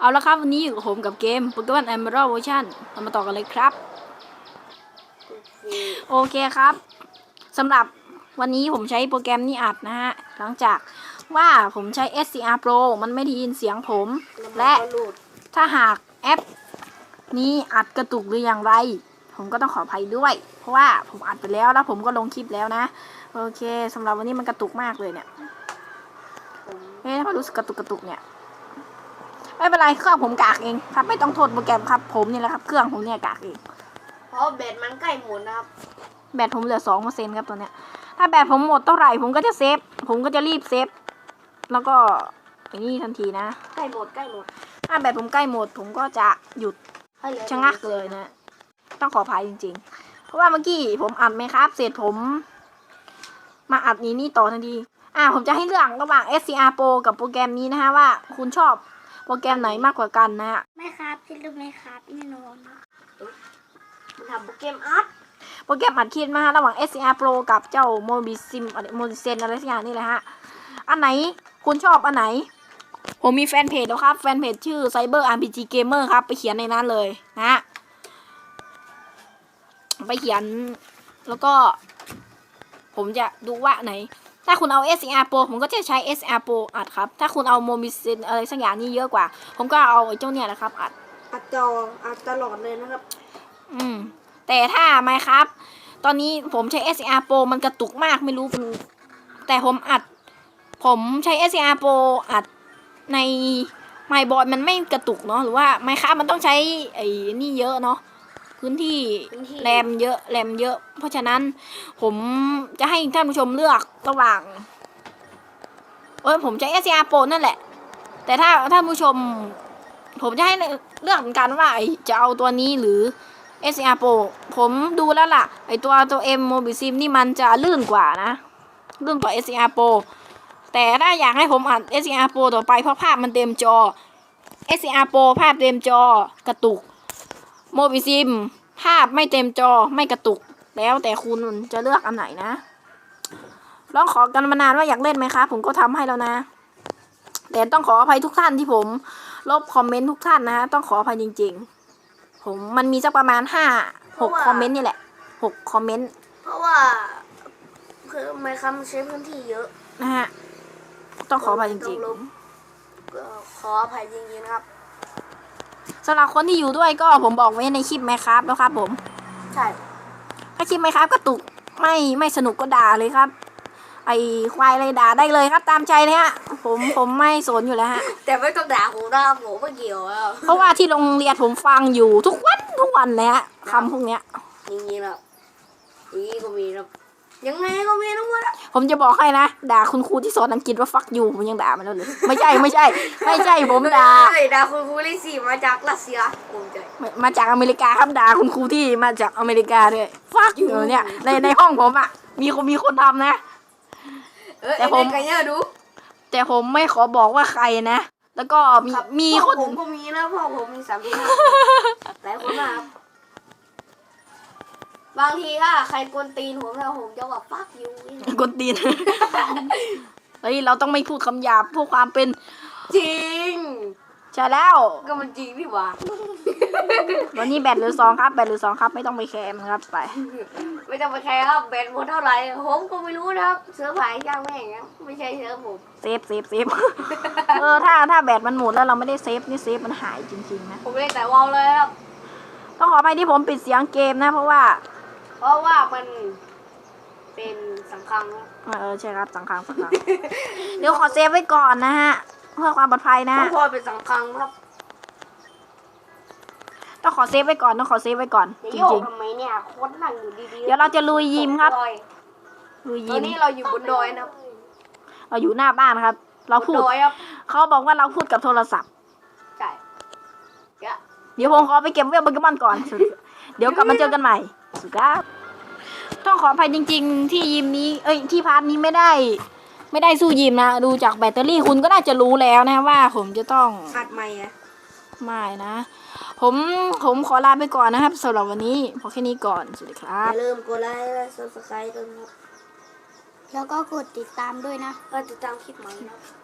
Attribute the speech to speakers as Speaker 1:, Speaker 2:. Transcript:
Speaker 1: เอาละครับวันนี้อยู่กับผมกับเกม Pokemon Emerald Version เรามาต่อกันเลยครับโอเคครับสำหรับวันนี้ผมใช้โปรแกรมนี้อัดนะฮะหลังจากว่าผมใช้ SCR Pro มันไม่ได้ยินเสียงผมและถ้าหากแอปนี้อัดกระตุกหรืออย่างไรผมก็ต้องขออภัยด้วยเพราะว่าผมอัดไปแล้วผมก็ลงคลิปแล้วนะโอเคสำหรับวันนี้มันกระตุกมากเลยเนี่ยถ้ารู้สึกกระตุกเนี่ยไม่เป็นไรเครื่องผมกากเองครับไม่ต้องโทษโปรแกรมครับผมนี่แหละครับเครื่องผมเนี่ยกากเอง
Speaker 2: เพราะแบตมันใกล้หมดนะครับ
Speaker 1: แบตผมเหลือ 2% ครับตัวเนี้ยถ้าแบตผมหมดเท่าไหร่ผมก็จะเซฟผมก็จะรีบเซฟแล้วก็อย่างนี้ทันทีนะ
Speaker 2: ใกล้หมด
Speaker 1: ถ้าแบตผมใกล้หมดผมก็จะหยุดชะงักเลยนะต้องขออภัยจริงๆเพราะว่าเมื่อกี้ผมอัดไหมครับเสร็จผมมาอัดนี่ต่อทันทีผมจะให้เลือกระหว่าง SCR Pro กับโปรแกรมนี้นะฮะว่าคุณชอบโปรแกรมไหนมากกว่ากันนะฮะ
Speaker 2: ไม่ครับที่รู้ไหมครับแน่นอนนะมันทำโปรแกรมอัด
Speaker 1: คิดมาระหว่าง SCR Pro กับเจ้า Mobisim อะไรสักอย่างนี่แหละฮะอันไหนคุณชอบอันไหนผมมีแฟนเพจแล้วครับแฟนเพจชื่อ Cyber RPG Gamer ครับไปเขียนในนั้นเลยนะไปเขียนแล้วก็ผมจะดูว่าไหนถ้าคุณเอา SCR Pro ผมก็จะใช้ SCR Pro อัดครับถ้าคุณเอา Mobisim อะไรสักอย่างนี้เยอะกว่าผมก็เอาไอ้เจ้าเนี่ยแหละครับ
Speaker 2: อัดตลอดเลยนะครับ
Speaker 1: แต่ถ้าไม่ครับตอนนี้ผมใช้ SCR Pro มันกระตุกมากไม่รู้แต่ผมใช้ SCR Pro อัดในไมค์บอร์ดมันไม่กระตุกเนาะหรือว่าไมค์ครับมันต้องใช้ไอ้นี่เยอะเนาะพื้นที่แรมเยอะเพราะฉะนั้นผมจะให้ท่านผู้ชมเลือกระหว่างผมใช้ SCR Pro นั่นแหละแต่ถ้าท่านผู้ชมผมจะให้เลือกเหมือนกันว่าจะเอาตัวนี้หรือ SCR Pro ผมดูแล้วล่ะไอตัว M Mobisim นี่มันจะลื่นกว่านะลื่นกว่า SCR Pro แต่ถ้าอยากให้ผมอัด SCR Pro ต่อไปเพราะภาพมันเต็มจอ SCR Pro ภาพเต็มจอกระตุก Mobisim ภาพไม่เต็มจอไม่กระตุกแล้วแต่คุณจะเลือกอันไหนนะลองขอกันมานานว่าอยากเล่นไหมคะผมก็ทำให้แล้วนะแต่ต้องขออภัยทุกท่านที่ผมลบคอมเมนต์ทุกท่านนะต้องขออภัยจริงๆผมมันมีสักประมาณ6 คอมเมนต์นี่แหละ6 คอมเมนต์
Speaker 2: เพราะว่าคือไม่คำใช้พื้นที่เยอะ
Speaker 1: นะฮะต้องขออภัยจริง
Speaker 2: ๆขออภัยจริงๆนะครับ
Speaker 1: สำหรับคนที่อยู่ด้วยก็ผมบอกไว้ในคลิปไหมครับแล้วครับผม
Speaker 2: ใช่
Speaker 1: ถ้าคลิปไหมครับกระตุกไม่สนุกก็ด่าเลยครับไอควายอะไรด่าได้เลยครับตามใจเลยฮะผมไม่สนอยู่แล้วฮะ
Speaker 2: แต่ไม่ต้องด่าผมนะครับผมไม่เกี่ยว
Speaker 1: เพราะว่าที่โรงเรียนผมฟังอยู่ทุกวันเลยฮะคำพวกเนี้ย
Speaker 2: อย่างนี้แล้วนี่ก็มีแล้วยังไงก็มีทั้งหมด
Speaker 1: ผมจะบอกให้นะด่าคุณครูที่สอนอังกฤษว่าฟักยูผมยังด่ามันแล้วเลยไม่ใช่ผมด่า
Speaker 2: คุณครูที่4มาจากรัสเซียผมใจ
Speaker 1: มาจากอเมริกาครับด่าคุณครูที่มาจากอเมริกาด้วยฟักยูเนี่ยในห้องผมอ่ะมีคนทำนะ
Speaker 2: แต่
Speaker 1: ผมไม่ขอบอกว่าใครนะแล้วก็มีคน
Speaker 2: ผมก็มีนะพ่อผมมี3 หลายคนมากบางทีถ้าใครกวนตีนผมแล้วผมจะว่าฟักยู
Speaker 1: กวนตีนเฮ้ยเราต้องไม่พูดคำหยาบพูดความเป็น
Speaker 2: จริง
Speaker 1: ใช่แล้ว
Speaker 2: ก็มันจริงนี่หว่า
Speaker 1: วันนี้แบตเหลือ 2ครับไม่ต้องไปแคร์มันครับไป
Speaker 2: ไม่ต้องไปแคร์ครับแบตหมดเท่าไหร่ผมก็ไม่รู้นะครับเสือผายย่างแม่งไม่ใช่เสือผม
Speaker 1: เซฟถ้าแบตมันหมดแล้วเราไม่ได้เซฟนี่เซฟมันหายจริงๆนะ
Speaker 2: ผมเล่นแต่วอลเลยครับ
Speaker 1: ต้องขออภัยที่ผมปิดเสียงเกมนะเพราะว่า
Speaker 2: มันเป็นสังคัง
Speaker 1: ใช่ครับสังคังเดี๋ยวขอเซฟไว้ก่อนนะฮะเพื่อความปลอดภัยนะ
Speaker 2: พ่อเป็นสังคังครับ
Speaker 1: ต้องขอเซฟไว้ก่อนจริง
Speaker 2: ๆทำไมเนี่ยโคตรนั่งอยู่ดี
Speaker 1: ๆเดี๋ยวเราจะลุยยิมครับ
Speaker 2: ลุยยิมตอนนี้เราอยู่บนดอยนะ
Speaker 1: เราอยู่หน้าบ้านครับเราพูดเขาบอกว่าเราพูดกับโทรศัพท์
Speaker 2: ใช่
Speaker 1: เดี๋ยวผมขอไปเก็บเวลโปเกมอนก่อนเดี๋ยวกลับมาเจอกันใหม่สุดครับต้องขออภัยจริงๆที่ยิมนี้ที่พาร์ทนี้ไม่ได้สู้ยิมนะดูจากแบตเตอรี่คุณก็น่าจะรู้แล้วนะว่าผมจะต้อง
Speaker 2: อัดใหม่
Speaker 1: ไม่นะผมขอลาไปก่อนนะครับสำหรับวันนี้พอแค่นี้ก่อนสวัสดีครับ
Speaker 2: อย่าลืมกดไลค์และ Subscribe กันครับ
Speaker 3: แล้วก็กดติดตามด้วยนะ
Speaker 2: ก็ติดตามคลิปใหม่นะ